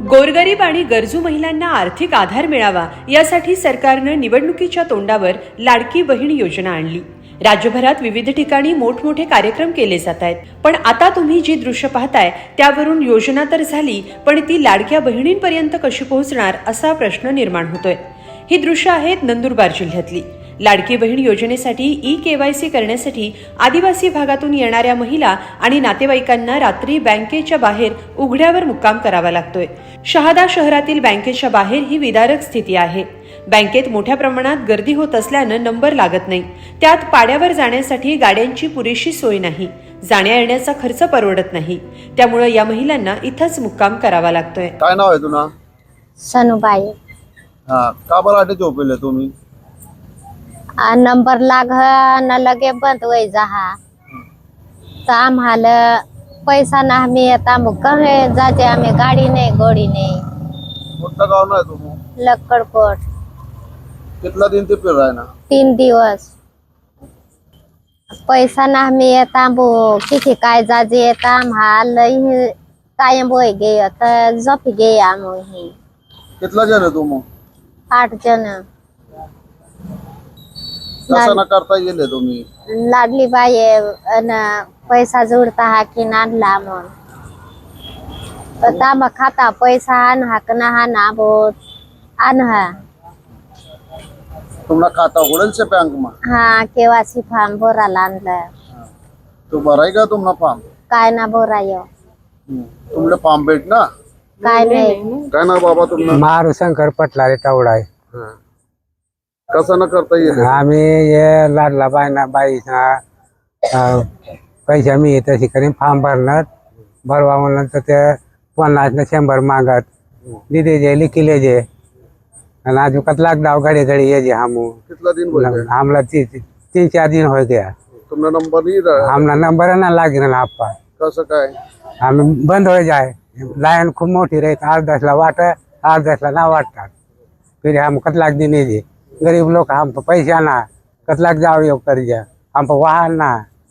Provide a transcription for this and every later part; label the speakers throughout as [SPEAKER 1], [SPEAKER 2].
[SPEAKER 1] गोरगरीब आणि गरजू महिलांना आर्थिक आधार मिळावा यासाठी सरकारनं निवडणुकीच्या तोंडावर लाडकी बहीण योजना आणली। राज्यभरात विविध ठिकाणी मोठमोठे कार्यक्रम केले जात आहेत। पण आता तुम्ही जी दृश्य पाहताय त्यावरून योजना तर झाली, पण ती लाडक्या बहिणींपर्यंत कशी पोहोचणार असा प्रश्न निर्माण होतोय। ही दृश्य आहेत नंदुरबार जिल्ह्यातली। लाडकी बहीण योजनेसाठी KYC करण्यासाठी आदिवासी भागातून येणाऱ्या महिला आणि नातेवाईकांना रात्री बँकेच्या बाहेर उघड्यावर मुक्काम करावा लागतोय। शहादा शहरातील बँकेच्या बाहेर ही विदारक स्थिती आहे। बँकेत मोठ्या प्रमाणात गर्दी होत असल्यानं नंबर लागत नाही। त्यात पाड्यावर जाण्यासाठी गाड्यांची पुरेशी सोय नाही, जाण्या येण्याचा खर्च परवडत नाही। त्यामुळे या महिलांना इथंच मुक्काम करावा लागतोय।
[SPEAKER 2] काय नाव आहे तुझं?
[SPEAKER 3] सनुबाई।
[SPEAKER 2] हा, का बरं आटे झोपेले तुम्ही?
[SPEAKER 3] नंबर लाग न लगे बंद होई जहा तर आम्हाला पैसा ना आम्ही आता मग कहे जाते, आम्ही गाडी नाही गोडी नाही।
[SPEAKER 2] कोणतं गाव नाही तुम्ही?
[SPEAKER 3] लक्कडकोट।
[SPEAKER 2] कितना दिन ते फिर रहा है ना?
[SPEAKER 3] 3 दिवस पैसा ना आम्ही येता बो किती काय जाजे येता आम्हाला कायम बोय गे तर झोपी गे आम्ही।
[SPEAKER 2] कितना जण आहे तुम्ही?
[SPEAKER 3] 8 जण।
[SPEAKER 2] कसं न करता गेले तुम्ही?
[SPEAKER 3] लाडली बाई पैसा जोडता हा की नाडला मग मग खाता पैसा आण हा ना हा ना बोत आण हा।
[SPEAKER 2] तुम्हाला खाता उघडेल से बैंक में?
[SPEAKER 3] हाँ, KYC फॉर्म भरायला आणलं।
[SPEAKER 2] तो भराय का तुम्हाला फॉर्म?
[SPEAKER 3] काय ना भरायो
[SPEAKER 2] तुमले फॉर्म भेट ना?
[SPEAKER 3] काय नाही।
[SPEAKER 2] काय ना बाबा तुम्हाला?
[SPEAKER 4] मारू शंकर पटलारे टावडा आहे।
[SPEAKER 2] कसं न करता येईल?
[SPEAKER 4] आम्ही ये लाडला बाई पैसा मी तशी करीन फॉर्म भरणार भरवा म्हणलं तर ते 50 न 100 मागत दिदे जे लिखिले जे आणि आज कतलाक दाव घडी घडी ये जे हम
[SPEAKER 2] कितना दिन हो गए?
[SPEAKER 4] हमला 3-4 दिन हो गया।
[SPEAKER 2] तुमने नंबर नहीं रहा?
[SPEAKER 4] हमला नंबर ना लागे ना आपा
[SPEAKER 2] कसं काय?
[SPEAKER 4] हम बंद हो जाए लाइन खूप मोठी रही 8-10 ला वाट 8-10 ला ना वाटतात। फिर हम कतलाक दिन ये गरीब लोग हम पैसा ना कतलाक जाओ ये कर जा हम वाहन ना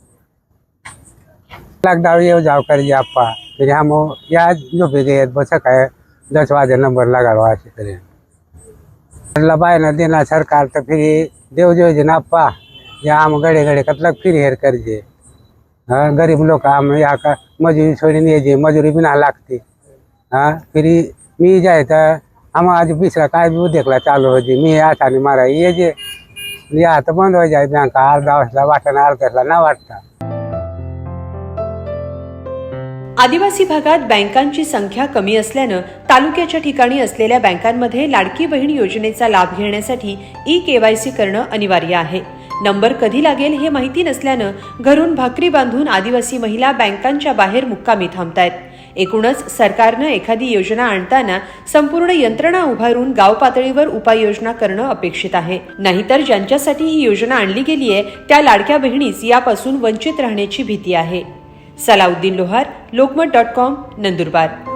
[SPEAKER 4] कतलाक जाओ ये जाओ कर जा आपा। फिर हम या जो भी गए बस है 10 बजे नंबर लगा ऐसे करें लबाई ना देना सरकार तो फिर देव जो ना आपा या हम गड़े गड़े कतलाक फिर हेर कर जे। हाँ, गरीब लोग हम यहाँ का मजूरी छोड़ी नहीं जे मजूरी भी ना लागती। हाँ, फिर मी जाए तो हम आज पिछला काय भी देखला चालू हो जी मी आसानी मारा ये जे या तो बंद हो जाए बैंक 8-10 वाटना 8-10 ना वाटता।
[SPEAKER 1] आदिवासी भागात बँकांची संख्या कमी असल्यानं तालुक्याच्या ठिकाणी असलेल्या बँकांमध्ये लाडकी बहीण योजनेचा लाभ घेण्यासाठी KYC करणं अनिवार्य आहे। नंबर कधी लागेल हे माहिती नसल्यानं घरून भाकरी बांधून आदिवासी महिला बँकांच्या बाहेर मुक्कामी थांबतायत। एकूणच सरकारनं एखादी योजना आणताना संपूर्ण यंत्रणा उभारून गाव पातळीवर उपाययोजना करणं अपेक्षित आहे। नाहीतर ज्यांच्यासाठी ही योजना आणली गेली आहे त्या लाडक्या बहिणीच यापासून वंचित राहण्याची भीती आहे। सलाउद्दीन लोहार, लोकमत.com, नंदुरबार।